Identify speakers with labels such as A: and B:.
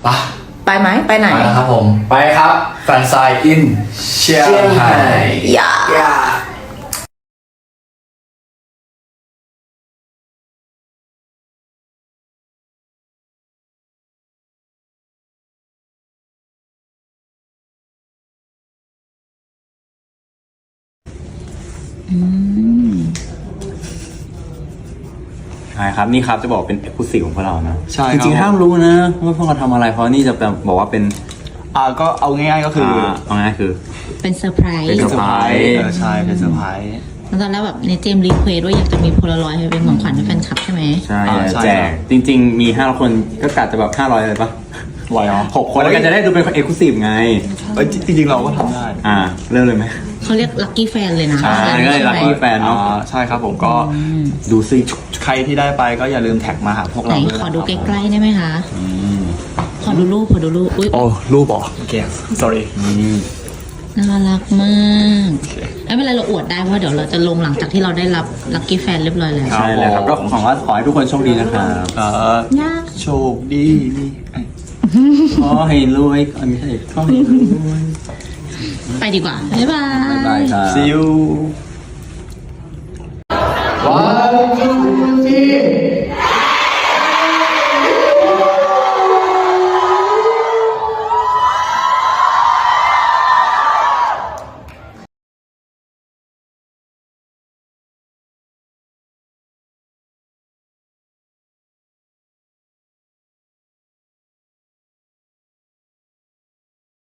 A: ปะ
B: ไปไหมไปไหน
A: ไปแล้วครับผมไปครับแฟนไซน์อินเชียงไฮ้
B: อย่า
C: ใช่ครับนี่ครับจะบอกเป็นเอกลุศิของพวกเรานะ
D: ใช่
C: จ
D: ครับ
C: ริงๆห้ามรู้นะว่าพวกเราทำอะไรเพราะนี่จะบอกว่าเป็น
D: ก็เอาง่ายๆก็คือ
C: เอาง่ายคือ
B: เป็นเซอร์ไพรส์
C: เป็นเซอร์ไพรส์
D: ใช่เป็นเซอร์ไพรส์
B: แล้วตอนแรกแบบในเจมรีเควสว่าอยากจะมีโพลารอยด์ให้เป็นของขวัญให้แฟนคลับใช่ไหม
C: ใช่
D: ใช่
C: แจกจริง ๆ มี5คนก็กะจะแบบ500เลยปะ
D: ไหวเหรอ
C: 6 คนแล้วกันจะได้ดูเป็นเอกลุศิไง
D: จริงๆเราก็ทำได้
C: เริ่มเลยไหม
B: เขาเรียกลัคกี้แฟนเลยนะ
C: ใช่ก็เลย lucky แฟนเนอะ
D: ใช่ครับผมก็
C: ดูสิ
D: ใครที่ได้ไปก็อย่าลืมแท็กมาหาพวก
B: ไหน
D: เราด้วย
B: ขอดูใกล้ๆได้ไหมคะขอดูรูปอุ้ย
D: โอ้รูปเหรอโอเค sorry
B: น่ารักมากไม่เป็นไรเราอวดได้เพราะเดี๋ยวเราจะลงหลังจากที่เราได้รับลัคกี้แฟนเรียบร้อยแล้ว
C: ใช่เลยครับก็ของว่าขอให้ทุกคนโชคดีนะครับ
B: ยาก
D: โชคดีมี
C: ขอให้รวยไม่ใช่ขอให้รวย
B: ไปดีกว่าบ๊ายบาย
C: บ๊ายบายครับ
D: see you
A: วัน